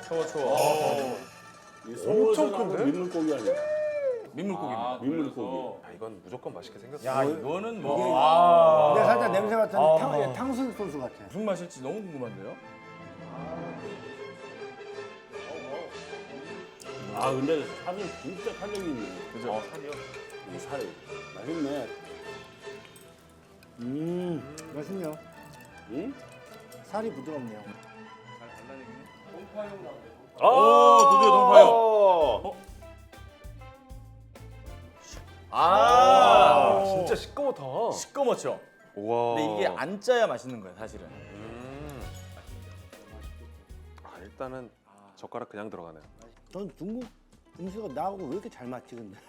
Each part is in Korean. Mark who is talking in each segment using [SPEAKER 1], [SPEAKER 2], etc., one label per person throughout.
[SPEAKER 1] 초워.
[SPEAKER 2] 엄청 큰데? 민물고기 아니야?
[SPEAKER 1] 민물고기입니다.
[SPEAKER 2] 민물고기.
[SPEAKER 3] 야, 이건 무조건 맛있게 생겼어.
[SPEAKER 1] 야, 이거는 뭐
[SPEAKER 4] 근데 살짝 냄새 맡았는데 탕수육 소스 같아.
[SPEAKER 1] 무슨 맛일지 너무 궁금한데요?
[SPEAKER 2] 아 근데 살이 진짜 탄력이 있네.
[SPEAKER 1] 그죠?
[SPEAKER 3] 살이요?
[SPEAKER 2] 이 살. 맛있네.
[SPEAKER 4] 맛있네요.
[SPEAKER 2] 응?
[SPEAKER 4] 살이 부드럽네요.
[SPEAKER 1] 드디어 동파요.
[SPEAKER 3] 진짜 시꺼멓다.
[SPEAKER 1] 시꺼멓죠?
[SPEAKER 3] 와.
[SPEAKER 1] 근데 이게 안 짜야 맛있는 거예요, 사실은.
[SPEAKER 3] 일단은 젓가락 그냥 들어가네요.
[SPEAKER 4] 전 중국 음식은 나하고 왜 이렇게 잘 맞지 근데?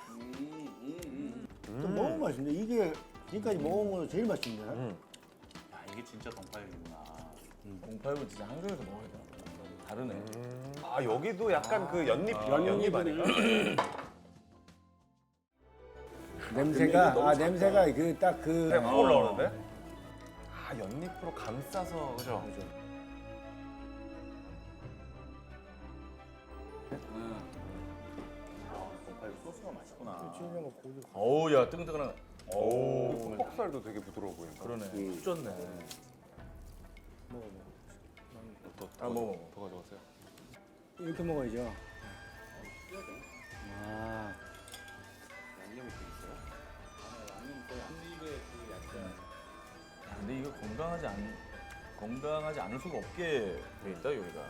[SPEAKER 4] 너무 맛있는데 이게 지금까지 먹은 거 제일 맛있네.
[SPEAKER 5] 야, 이게 진짜 동파육이구나.
[SPEAKER 1] 동파육은 진짜 한국에서 먹어야 돼. 다르네.
[SPEAKER 3] 아 여기도 약간 그 연잎 아닌가?
[SPEAKER 4] 냄새가 그 딱 그
[SPEAKER 3] 확 올라오는데? 아 연잎으로 감싸서 그죠?
[SPEAKER 5] 동파육 소스가 맛있구나.
[SPEAKER 1] 어우, 야, 뜨끈뜨끈한.
[SPEAKER 3] 오. 속살도 되게 부드러워 보인다.
[SPEAKER 1] 그러네. 푹 줬네. 먹어.
[SPEAKER 3] 더 가져가세요.
[SPEAKER 4] 이렇게 먹어야죠.
[SPEAKER 1] 근데 이거 건강하지 않을 수가 없게 돼 있다, 여기가.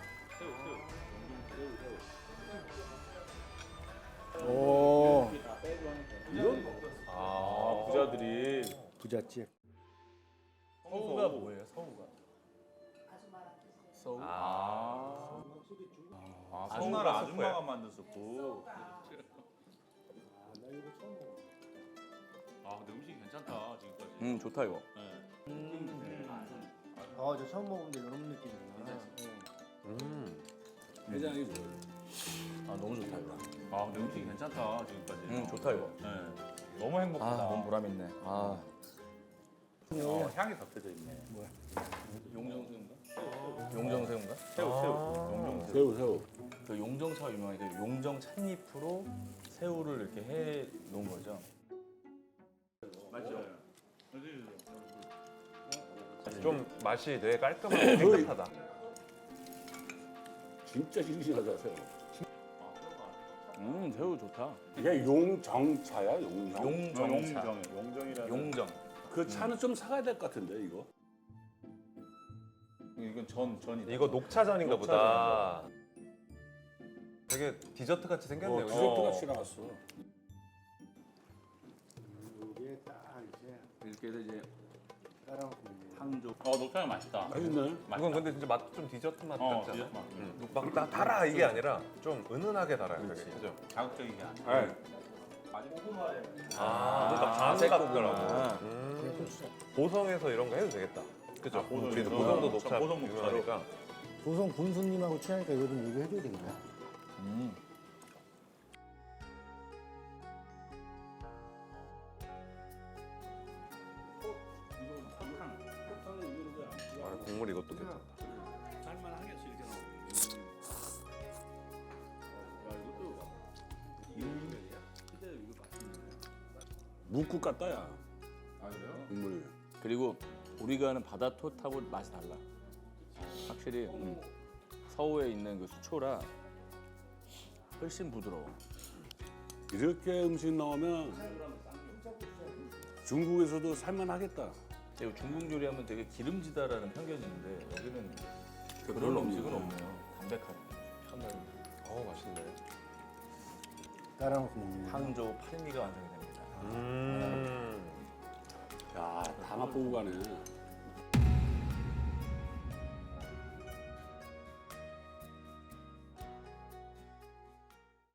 [SPEAKER 4] 오
[SPEAKER 1] 부자들이.
[SPEAKER 4] 부잣집.
[SPEAKER 1] 서우가 뭐예요, 서우가? 서우?
[SPEAKER 5] 우리나라 아줌마가 만들었고. 근데 음식이 괜찮다 지금까지.
[SPEAKER 1] 좋다, 이거.
[SPEAKER 4] 저 처음 먹는데 이런 느낌이구나.
[SPEAKER 2] 해장이 좋아요.
[SPEAKER 1] 너무 좋다, 이거.
[SPEAKER 5] 근데 음식이 괜찮다 지금까지.
[SPEAKER 1] 좋다, 이거.
[SPEAKER 5] 너무 행복하다.
[SPEAKER 1] 너무 보람 있네.
[SPEAKER 5] 향이 덮여져 있네.
[SPEAKER 1] 용정새우인가?
[SPEAKER 2] 새우.
[SPEAKER 1] 그 용정차가 유명하니까 용정 찻잎으로 새우를 이렇게 해 놓은 거죠.
[SPEAKER 5] 맞죠?
[SPEAKER 3] 좀 맛이 되게 깔끔하고 깨끗하다.
[SPEAKER 2] 진짜 싱싱하다 새우.
[SPEAKER 1] 새우 좋다.
[SPEAKER 2] 이게 용정차야 용정.
[SPEAKER 1] 용정차.
[SPEAKER 5] 용정이라는.
[SPEAKER 1] 용정.
[SPEAKER 2] 그 차는 좀 사가야 될 것 같은데 이거.
[SPEAKER 5] 이건 전이다.
[SPEAKER 3] 이거 녹차전인가 보다. 되게 디저트 같이 생겼네요. 그죠?
[SPEAKER 2] 디저트가 싫어왔어.
[SPEAKER 4] 이게 딱 이제
[SPEAKER 5] 이렇게 해서 이제
[SPEAKER 4] 따라놓고
[SPEAKER 5] 항조. 녹차가 맛있다.
[SPEAKER 2] 맛있네.
[SPEAKER 3] 이건 근데 진짜 맛 좀 디저트 맛 같지 않아?
[SPEAKER 5] 디저트 맛.
[SPEAKER 3] 막 달아 이게 아니라 좀 은은하게 달아요. 되게. 그죠?
[SPEAKER 5] 자극적이게 아니야.
[SPEAKER 2] 네.
[SPEAKER 3] 뭔가 반 같더라고. 보성에서 이런 거 해도 되겠다. 그죠?
[SPEAKER 5] 보성,
[SPEAKER 3] 우리도
[SPEAKER 5] 보성.
[SPEAKER 3] 보성도 녹차
[SPEAKER 5] 보성 녹차로.
[SPEAKER 3] 유명하니까.
[SPEAKER 4] 보성 군수님하고 친하니까 이거 좀 얘기해줘야 되겠네.
[SPEAKER 3] 국물 이것도 괜찮다.
[SPEAKER 2] 묵국 같다 야. 국물이.
[SPEAKER 1] 그리고 우리가 하는 바다톳하고 맛이 달라. 확실히 서우에 있는 그 수초라 훨씬 부드러워.
[SPEAKER 2] 이렇게 음식 나오면 중국에서도 살만하겠다.
[SPEAKER 1] 그리고 중국 요리하면 되게 기름지다라는 편견이 있는데 여기는 그런 음식은 없네요. 담백하게 편하게.
[SPEAKER 3] 맛있네.
[SPEAKER 4] 따라놓고 먹는.
[SPEAKER 1] 항조 팔미가 완성이 됩니다.
[SPEAKER 2] 야, 다 맛보고 가네.